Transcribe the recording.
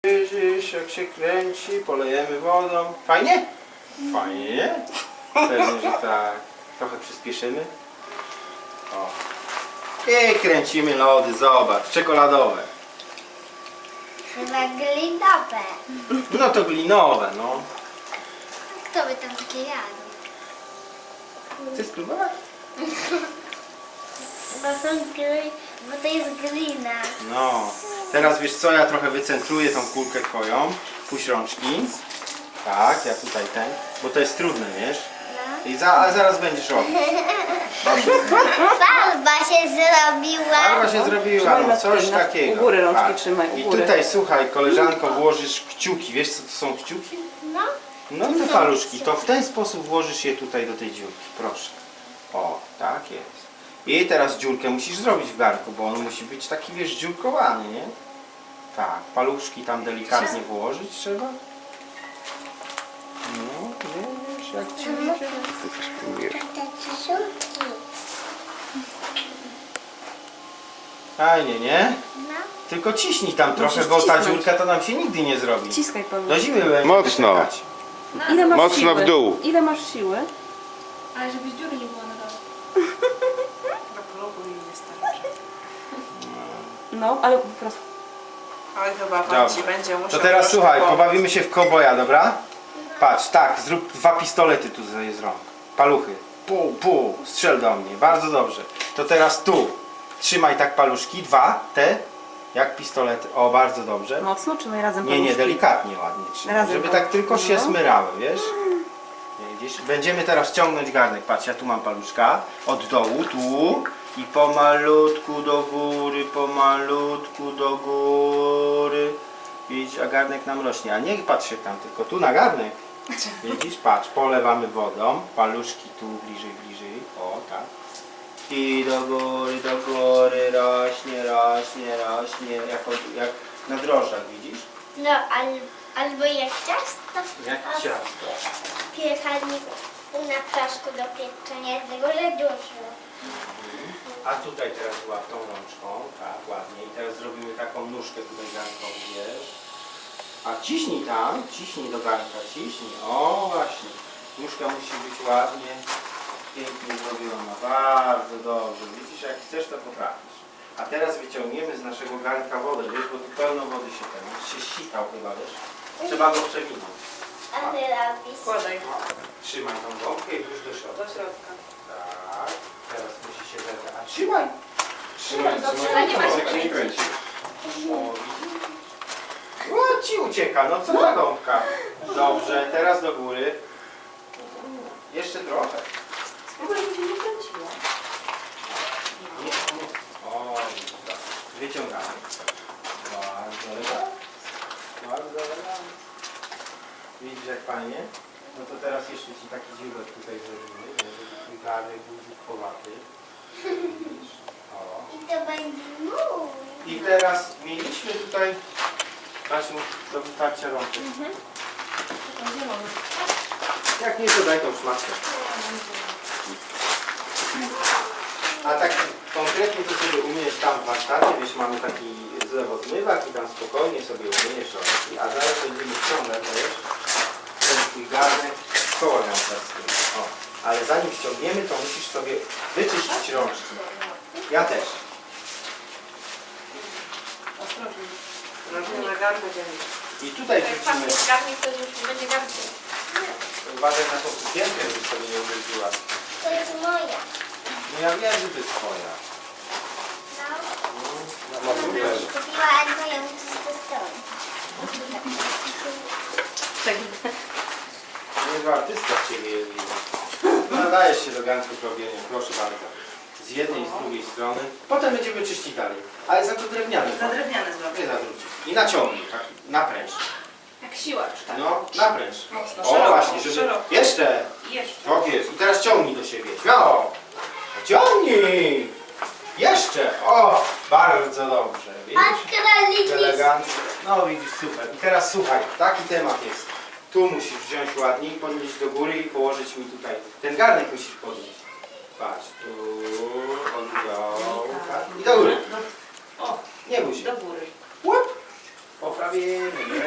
Widzisz, jak się kręci, polejemy wodą. Fajnie? Fajnie? Pewnie, że tak. Trochę przyspieszymy. O. I kręcimy lody, zobacz, czekoladowe. Chyba glinowe. No to glinowe, no. Kto by tam takie jadł? Chcesz spróbować? Bo to jest glina. No. Teraz wiesz co, ja trochę wycentruję tą kulkę twoją. Puść rączki. Tak, ja tutaj ten. Bo to jest trudne, wiesz? I a zaraz będziesz robił. Farba się zrobiła. Farba się zrobiła, no coś na- takiego. u góry rączki Tak. trzymaj, u I góry. tutaj słuchaj, koleżanko, włożysz kciuki. Wiesz co to są kciuki? No. No te paluszki. To w ten sposób włożysz je tutaj do tej dziurki. Proszę. O, tak jest. I teraz dziurkę musisz zrobić w garnku, bo on musi być taki, wiesz, dziurkowany, nie? Tak, paluszki tam delikatnie włożyć trzeba. No, wiesz, jak ci idzie. Fajnie, nie? No. Tylko ciśnij tam trochę, Musisz bo ta cisnąć. dziurka to nam się nigdy nie zrobi. Ciskaj Paweł. Do zimy będzie Mocno. czekać. Ile masz Mocno siły? w dół. Ile masz siły? Ale żeby dziury nie było na dole. Na progu mi wystarczy. No, ale po prostu. Oj, chyba Dobra. pan ci będzie musiał To teraz troszkę słuchaj, pomóc. pobawimy się w koboja, dobra? Patrz, tak, zrób 2 pistolety tu z rąk. Paluchy. Pół, strzel do mnie. Bardzo dobrze. To teraz tu. Trzymaj tak paluszki, 2, te, jak pistolety. O, bardzo dobrze. Mocno trzymaj razem Nie, nie, paluszki. delikatnie ładnie trzymaj, Razem żeby tak. tak tylko się No. smyrały, wiesz? Widzisz? Będziemy teraz ciągnąć garnek. Patrz, ja tu mam paluszka. Od dołu, tu. I pomalutku do góry, pomalutku do góry. Widzisz, a garnek nam rośnie. A nie patrz się tam, tylko tu na garnek. Widzisz? Patrz, polewamy wodą. Paluszki tu bliżej, bliżej. O, tak. I do góry, rośnie, rośnie, rośnie. Jak na drożdżach, widzisz? No, albo jak ciasto. Jak A ciasto. w piekarniku na proszku do pieczenia jednego, że dużo. A tutaj teraz była tą rączką, tak, ładnie. I teraz zrobimy taką nóżkę tutaj garnkową, wiesz. A ciśnij tam, ciśnij do garnka, ciśnij. O, właśnie. Nóżka musi być ładnie, pięknie zrobiona. Bardzo dobrze. Widzisz, jak chcesz, to potrafisz. A teraz wyciągniemy z naszego garnka wodę, wiesz, bo tu pełno wody się ten, się ściskał chyba, wiesz. Trzeba go przewinąć. A ty robisz. Wkładaj Trzymaj tą gąbkę i włóż do środka. do środka. Tak, teraz musi się zebrać. A trzymaj! Trzymaj, Ale nie ma się nie kręci. O, ci ucieka, no co za gąbka. Dobrze, teraz do góry. Jeszcze trochę. Spróbuj, żeby się nie kręciło. Nie, nie. O, tak. Wyciągamy. Bardzo elegancko. Bardzo elegancko. Widzisz jak fajnie? No to teraz jeszcze ci taki dziurek tutaj zrobimy, żeby twój garnek był dziurkowaty. Widzisz? O. I to będzie mój. I teraz mieliśmy tutaj, Basiu, do wytarcia rączek. Jak nie, to daj tą szmatkę. A tak konkretnie to sobie umyjesz tam w warsztacie, wiesz, mamy taki zlewozmywak i tam spokojnie sobie umyjesz rączki, a zaraz będziemy ściągać, wiesz, ten twój garnek z koła narciarskiego. O, ale zanim ściągniemy, to musisz sobie wyczyścić rączki. Ja też. Ostrożnie. Ostrożnie na garnku dzieli. I tutaj Jak wrzucimy. pan jest garnik, to już nie będzie garnku. Uważaj na tą sukienkę, żebyś sobie nie uderzyła. To jest moja. No ja wiem, że to jest twoja. No. No, Mama super. mi kupiła, a moją z tej strony. Niezła artystka z ciebie jest, widzę. Nadajesz się do garnków robienia, proszę bardzo. Z jednej i z drugiej strony. Potem będziemy czyścić dalej. Ale za to drewniane. Za drewniane zrobię. Nie zawrócić. I naciągnij, tak, napręż. Jak siłacz, tak? No, napręż. Mocno, O szeroko, właśnie, żeby... szeroko. Jeszcze! I jeszcze. Tak jest. I teraz ciągnij do siebie. Śmiało! Ciągnij! Jeszcze! O! Bardzo dobrze. Widzisz? Patrz, kraliczki. Elegancko. No widzisz, super. I teraz słuchaj, taki temat jest. Tu musisz wziąć ładnie i podnieść do góry i położyć mi tutaj. Ten garnek musisz podnieść. Patrz, tu, od dołu, tak. I do góry. O, Nie bój się. do góry. Łup. poprawimy, nie?